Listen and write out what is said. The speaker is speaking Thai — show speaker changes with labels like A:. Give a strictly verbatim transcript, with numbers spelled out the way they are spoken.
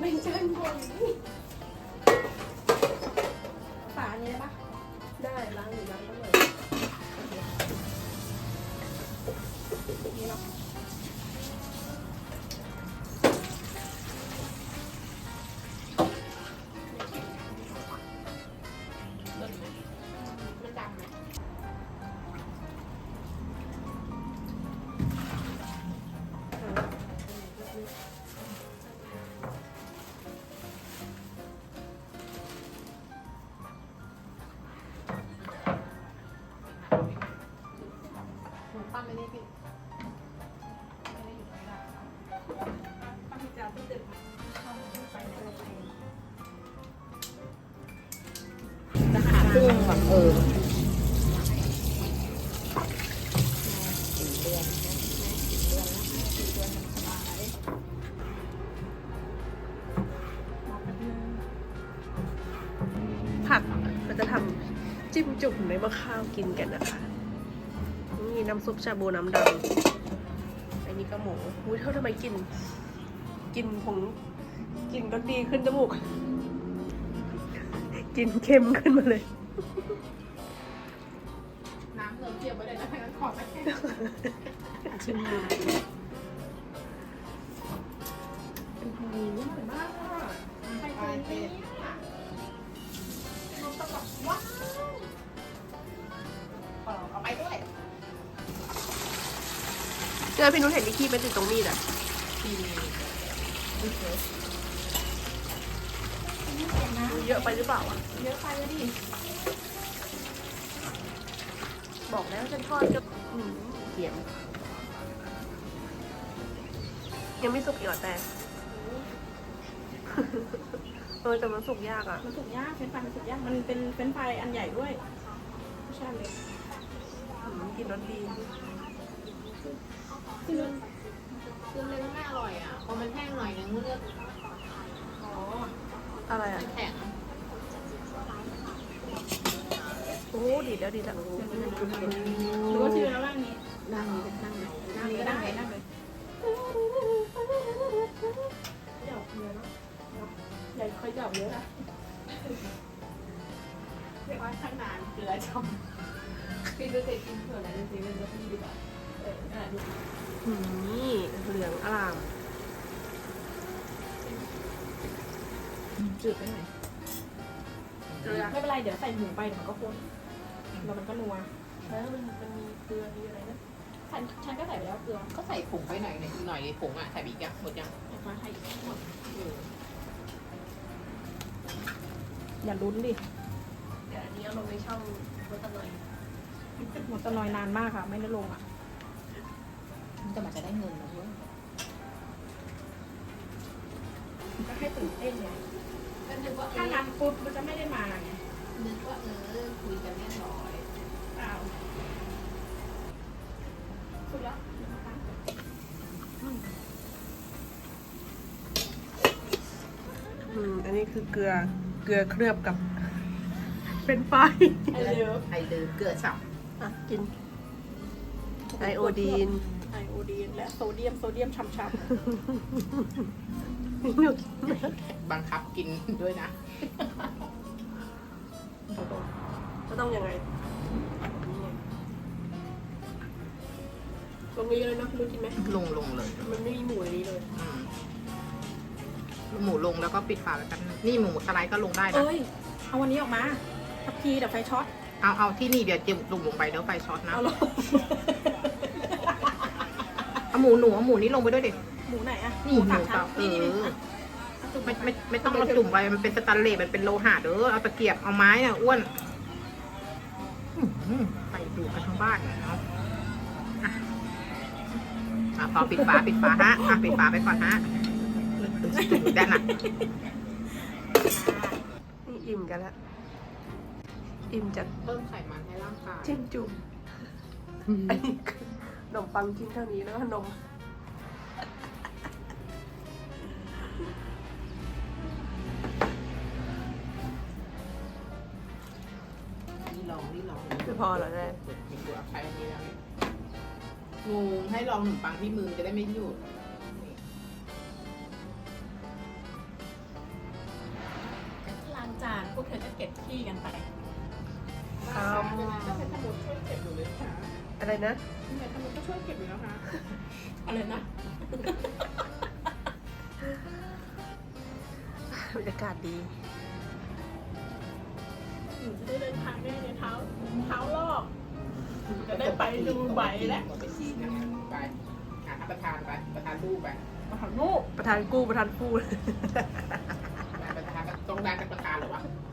A: เป็นจานบนนี่ฝาอันนี้ได้ปะได้ล้างหรือล้างก็เลยนี่เนาะมันดำไหมปั้นไม่ได้พี่ไม่ได้อยู่ไม่ได้ปั้นพิจารณ์ที่ตึกเข้าไปในโรงเรียนจะหาซึ่งแบบเออสี่เดือนนะสี่เดือนแล้วสี่เดือนสบาย
B: ผักเราจะทำจิ้มจุ่มในมะข้าวกินกันนะคะนี่น้ำซุปชาบูน้ำดำอันนี้ก็หมูอุ้ยเท่าทำไมกิน กินผงกินรสดีขึ้นจมูก กินเค็มขึ้นมาเลย
A: น้ำเริ่มเจียวไปเลยนะทั้งนั้นขอไปชิมน้ำโอ้โหอร่อยมากอ่ะใครเคยกินอ่ะมันจะแบบว้าวเอาไปด้วย
B: เจอพี่นุ้นเห็นที่ขี้เป็นติดตรงมีดอ่ะ
A: ทีนี้ดูเถอะ
B: เยอะไปหรือเปล่าอ่ะ
A: เยอะไปแล้วดิ
B: บอกแล้วฉันทอดก็อืมเขียมยังไม่สุกอีกเหรอแต่ เออแต่มันสุกยากอ่ะ
A: มันสุกยากเฟรนช์ฟรายมันสุกยากมันเป็นเฟรนช์ฟรายอันใหญ่ด้วยไม่ใช่เล็ก
B: อืมกินรสดี
A: คือ
C: คือเล็กไม่อร่อยอ่ะพอมันแห้งหน่อยนึงมันก็
A: อ๋อ
B: อะไรอ่ะ
C: แข็ง
B: โอ้ดีแล้วดีแล้ว
A: หรือว่าชื่อแล้วร่างนี้
C: นั่งนี่ก็นั่งไหน
A: นั่งเลยนั่งเลยนั่งเลยหยอกเยอะเนาะใหญ่ค่อยหยอกเยอะนะเรียกว่าข้างนานเกลือชม
C: พี่ดูเสร็จกินเผื่ออะไรดูสิมันจะพี่ดีกว่า
A: เอออ่ะดู
B: อืมนี่เหลืองอร่าม
A: จืดไปหน่อย
B: เกลือ
A: ไม่เป็นไรเดี๋ยวใส่หมูไปเดี๋ยวมันก็ข้นแล้วมันก็นัว
B: แล้วมันมันมีเกลือมีอะไรนะ
A: ฉันฉันก็ใส่ไปแล้วเกลือ
C: ก็ใส่ผงไปหน่อยหน่อยหน่อยผงอ่ะใส่อีกยังหมดยัง
A: เอามาให้หมดอย่าลุ้นดิ
B: เดี๋ยวอันนี้เอาลงในช่องรสตะนอย
A: หมดตะนอยนานมากค่ะ ไม่ได้ลงอ่ะ
C: มันจะมาจะได้เงินนะเว้ย
A: ก็ให้ตื่นเต้นไง
C: ก็นึกว่า
A: ถ้านัดปุ๊บมันจะไม่ได้มาไง
C: นึกว่าเออคุยกันเรียบร้อย
A: เปล่าสุดแล้วนะคะ
B: อืมอันนี้คือเกลือเกลือเคลือบกับ เป็นไฟ
A: ไอเลิฟ
C: ไอเดิมเกลือฉ่
B: อ่ะกินไอโอดีน
A: ไอโอดีนและโซเดียมโซเดียมช้ำ
C: ำบังคับกินด้วยนะ
B: ก็ต้องยังไงลงนี้เลยนะรู้กินไหม
C: ลงลงเลย
B: มันไม่มีหมูในนี้เลย
C: อืมหมูลงแล้วก็ปิดฝาแล้วกันนี่หมูสไลด์ก็ลงได้
A: ๆ
C: นะ
A: เอ้ย เอาวันนี้ออกมาทับพีเดี๋ยวไฟช็อต
C: เอาเอาที่นี่เดี๋ยวเจียมลงลงไปเดี๋ยวไฟช็อตนะ
A: เอาลง
C: เอาหมูหนูเอาหมูนี่ลงไปด้วยดิ
A: หมูไหนอะ
C: นี่หมู
A: สามชั้น
C: เปล่า
A: นี่นี่
C: เออ
A: อ่ะ
C: ไม่ไม่ไม่ต้องเอาจุ่มไปมันเป็นสแตนเลสมันเป็นโลหะเด้อเอาตะเกียบเอาไม้น่ะอ้วนอื้อหือไปดูกันทั้งบ้านเนาะอ่ะอ่ะพอปิดฝาปิดฝาฮะอ่ะปิดฝาไปก่อนฮะดูด้านหนัก
B: นี่อิ่มกันแล้วอิ่มจาก
C: เพิ่มไขมันให้ร่างกาย
B: จิ้มจุ่มอันนี้คือขนมปังชิ้นเท่านี้แล้วก็นม
C: นี่ลองนี่ลอง
B: ไม่พอเหรอแม่
C: มีตัวใช้อันนี้แล้วงูให้ลองขนมปังที่มือจะได้ไม่หยุด
A: วกเธอจะเก็บขี้กันไป
B: อืม
C: ก็ใช้สมุดช่วยเก็บอยู่เลยค่ะ
B: อะไรนะ
C: นี่สมุดก็ช่วยเก็บอยู่แล้วค่ะ
A: อะไรนะ
B: บรรยากาศดี
A: หนูจะได้เดินทางได้ในเท้าเท้าลอกจะได้ไปดูใบแล้ว
C: ไปชี้นะไปหาประธานไปประธานรูปไป
A: มาหาลูก
B: ประธานกู้ประธานพูด
C: ประธานต้องได้เป็นประธานหรอวะ